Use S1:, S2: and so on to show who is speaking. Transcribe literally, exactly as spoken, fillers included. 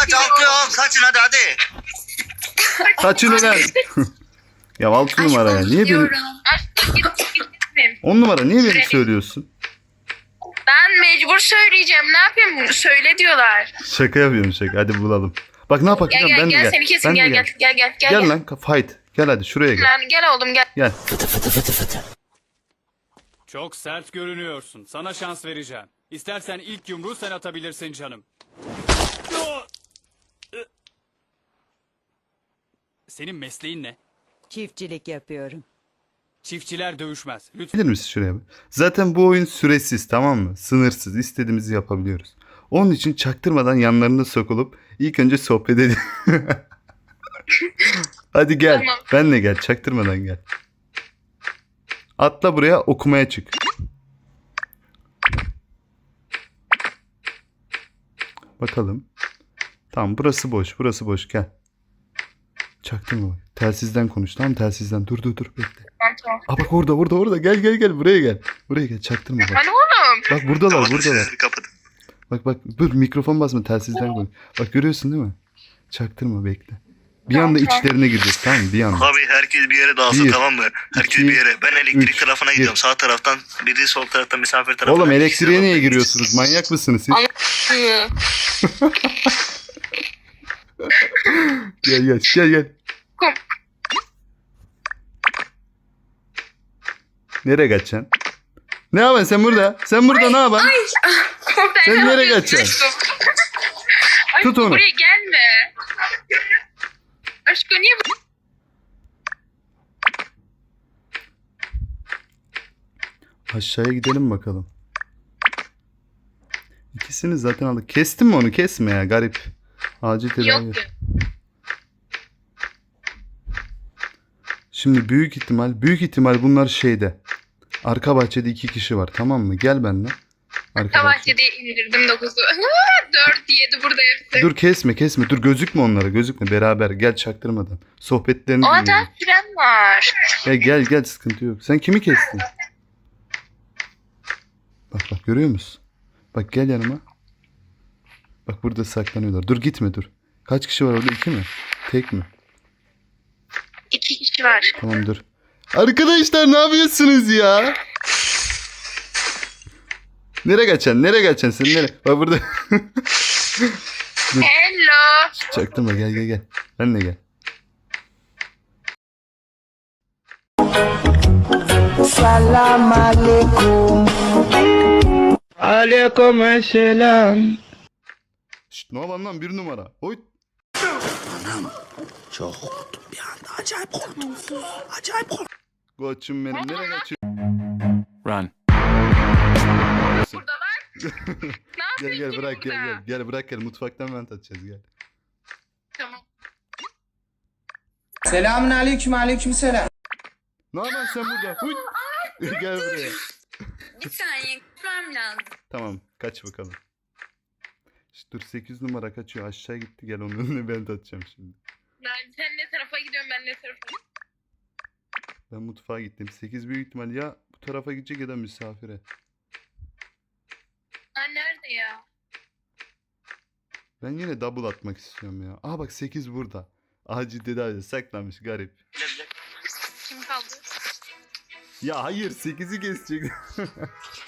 S1: kaç altı yok. Kaçın hadi hadi.
S2: Kaçını lan. Ya altı numara ya. Niye beni...
S3: Aşkım git git gitmeyeyim.
S2: on numara niye beni söylüyorsun?
S3: Ben mecbur söyleyeceğim. Ne yapayım? Söyle diyorlar.
S2: Şaka yapıyorum şaka. Hadi bulalım. Bak ne yapak
S3: Gel
S2: biliyor musun?
S3: gel
S2: Ben de
S3: gel seni kesin
S2: Ben de
S3: gel gel gel gel gel.
S2: Gel lan fight. Gel hadi şuraya gel.
S3: Lan gel oğlum gel.
S2: Gel.
S4: Çok sert görünüyorsun. Sana şans vereceğim. İstersen ilk yumruğu sen atabilirsin canım. Senin mesleğin ne?
S5: Çiftçilik yapıyorum.
S4: Çiftçiler dövüşmez. Lütfen.
S2: Gelir misin şuraya? Zaten bu oyun süresiz, tamam mı? Sınırsız. İstediğimizi yapabiliyoruz. Onun için çaktırmadan yanlarına sokulup ilk önce sohbet edelim. Hadi gel.
S3: Tamam.
S2: Benle gel. Çaktırmadan gel. Atla buraya, okumaya çık. Bakalım. Tamam, burası boş. Burası boş. Gel. Çaktırma bak. Telsizden konuş. Tamam, telsizden. Dur dur dur. Bekle.
S3: Tamam tamam.
S2: Aa bak orada orada orada. Gel gel gel. Buraya gel. Buraya gel. Çaktırma bak.
S3: Hani oğlum?
S2: Bak buradalar
S1: Kapatın
S2: buradalar.
S1: sesleri, kapatın.
S2: Bak bak dur, mikrofon basma, telsizden konuş. Bak görüyorsun değil mi? Çaktırma, bekle. Bir
S3: Tamam,
S2: anda
S3: tamam.
S2: içlerine gireceğiz, tamam mı? Bir anda.
S1: Abi herkes bir yere dağılsın,
S2: Bir,
S1: tamam mı? Herkes
S2: iki,
S1: bir yere. Ben elektrik
S2: üç,
S1: tarafına
S2: bir.
S1: gidiyorum. Sağ taraftan biri, sol taraftan misafir tarafına.
S2: Oğlum
S1: İkisi
S2: elektriğe
S1: de
S2: niye
S1: bakıyor.
S2: giriyorsunuz? Manyak mısınız siz?
S3: Hı.
S2: Gel gel gel gel.
S3: Kom-
S2: Nereye kaçacaksın? Ne yapıyorsun sen burada? Sen burada ne yapıyorsun? Sen
S3: ne
S2: nereye
S3: yapıyorsun
S2: kaçacaksın?
S3: aşkım? Ay,
S2: Tut onu.
S3: Buraya gelme. Aşkım niye bu?
S2: Aşağıya gidelim bakalım. İkisini zaten aldık. Kestin mi onu? Kesme ya, garip. Acil tedavi.
S3: Yok yok.
S2: Şimdi büyük ihtimal, büyük ihtimal bunlar şeyde. Arka bahçede iki kişi var, tamam mı? Gel benimle. Arka bahçe.
S3: Bahçede indirdim dokuzu. Dört yedi burada hepsi.
S2: Dur kesme kesme. Dur gözükme onlara, gözükme. Beraber gel çaktırmadan. Sohbetlerini
S3: O
S2: dinleyelim.
S3: da fren var.
S2: Ya gel gel, sıkıntı yok. Sen kimi kestin? Bak bak, görüyor musun? Bak gel yanıma. Bak burada saklanıyorlar. Dur gitme dur. Kaç kişi var orada? İki mi? Tek mi?
S3: İki kişi var.
S2: Tamam dur. Arkadaşlar ne yapıyorsunuz ya? Nereye kaçacaksın? Nereye kaçacaksın sen? Nereye? Bak burada.
S3: Hello.
S2: Çaktırma, gel gel gel. Ben de gel.
S6: Salam alaikum. Alaikum selam.
S2: Şşt, ne yapalım lan, bir numara. Oy.
S6: Çok korktum bir anda. Acayip korktum. Acayip korktum.
S2: Koçum benim, nereye kaçıyorsun?
S4: Run.
S3: Burada var. Ne
S2: Gel
S3: yapıyorsun
S2: gel
S3: ki
S2: bırak gel
S3: burada?
S2: gel. Gel bırak gel, mutfaktan vent atacağız gel.
S3: Tamam.
S6: Selamun aleyküm aleyküm selam.
S2: Ne yapıyorsun sen burada? Huy. Gel buraya.
S3: Bir saniye gitmem lazım.
S2: Tamam, kaç bakalım. İşte dur, sekiz numara kaçıyor, aşağı gitti, gel onun önüne vent atacağım şimdi.
S3: Ben sen ne tarafa gidiyorsun ben ne tarafa.
S2: Ben mutfağa gittim. sekiz büyük ihtimal ya bu tarafa gidecek ya da misafire.
S3: Ha nerede ya?
S2: Ben yine double atmak istiyorum ya. Aa bak, sekiz burada. Acil tedavi saklanmış, garip.
S3: Kim kaldı?
S2: Ya hayır, sekizi kesecek.